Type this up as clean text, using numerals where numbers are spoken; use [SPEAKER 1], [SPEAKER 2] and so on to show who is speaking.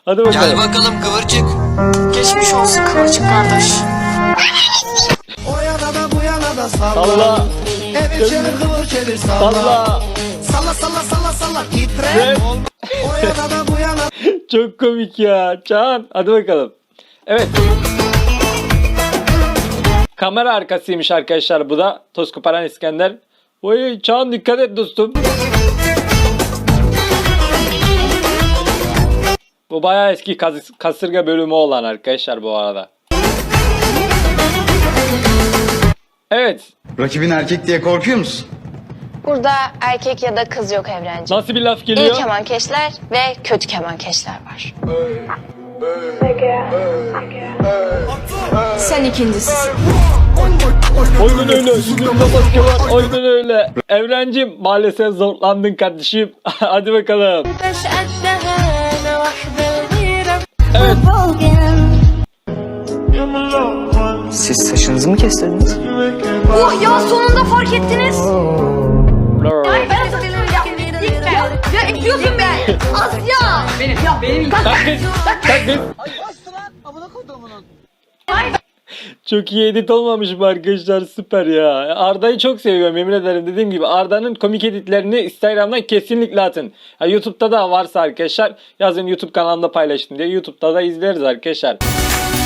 [SPEAKER 1] Hadi bakalım.
[SPEAKER 2] Gel bakalım kıvırcık.
[SPEAKER 3] Geçmiş olsun Kıvırcık kardeş.
[SPEAKER 4] O yana da bu yana da salla.
[SPEAKER 1] Salla.
[SPEAKER 4] Evir çevir kıvır çevir salla.
[SPEAKER 1] Salla.
[SPEAKER 4] Salla salla salla salla titre.
[SPEAKER 1] Evet.
[SPEAKER 4] O yana da bu yana.
[SPEAKER 1] Çok komik ya. Can. Hadi bakalım. Evet. Kamera arkasıymış arkadaşlar bu da. Toz koparan İskender. Oy Can dikkat et dostum. Bu bayağı eski kasırga bölümü olan arkadaşlar bu arada. Evet.
[SPEAKER 5] Rakibin erkek diye korkuyor musun?
[SPEAKER 6] Burada erkek ya da kız yok Evrenciğim.
[SPEAKER 1] Nasıl bir laf
[SPEAKER 6] İyi
[SPEAKER 1] geliyor?
[SPEAKER 6] kemankeşler ve kötü kemankeşler var.
[SPEAKER 3] Sen ikincisisin.
[SPEAKER 1] Aynen öyle. Yüzümde maske var. Aynen öyle. Evrencim maalesef zorlandın kardeşim. Hadi bakalım. Evet.
[SPEAKER 7] Siz saçınızı mı kestirdiniz?
[SPEAKER 3] Oh ya sonunda fark ettiniz. Ya ekliyorsun be. Asya.
[SPEAKER 1] Kalk kız. Kalk kız. Çok iyi edit olmamış mı arkadaşlar? Süper ya. Arda'yı çok seviyorum yemin ederim. Dediğim gibi Arda'nın komik editlerini Instagram'dan kesinlikle atın. Ya YouTube'da da varsa arkadaşlar yazın, YouTube kanalında paylaştım diye. YouTube'da da izleriz arkadaşlar.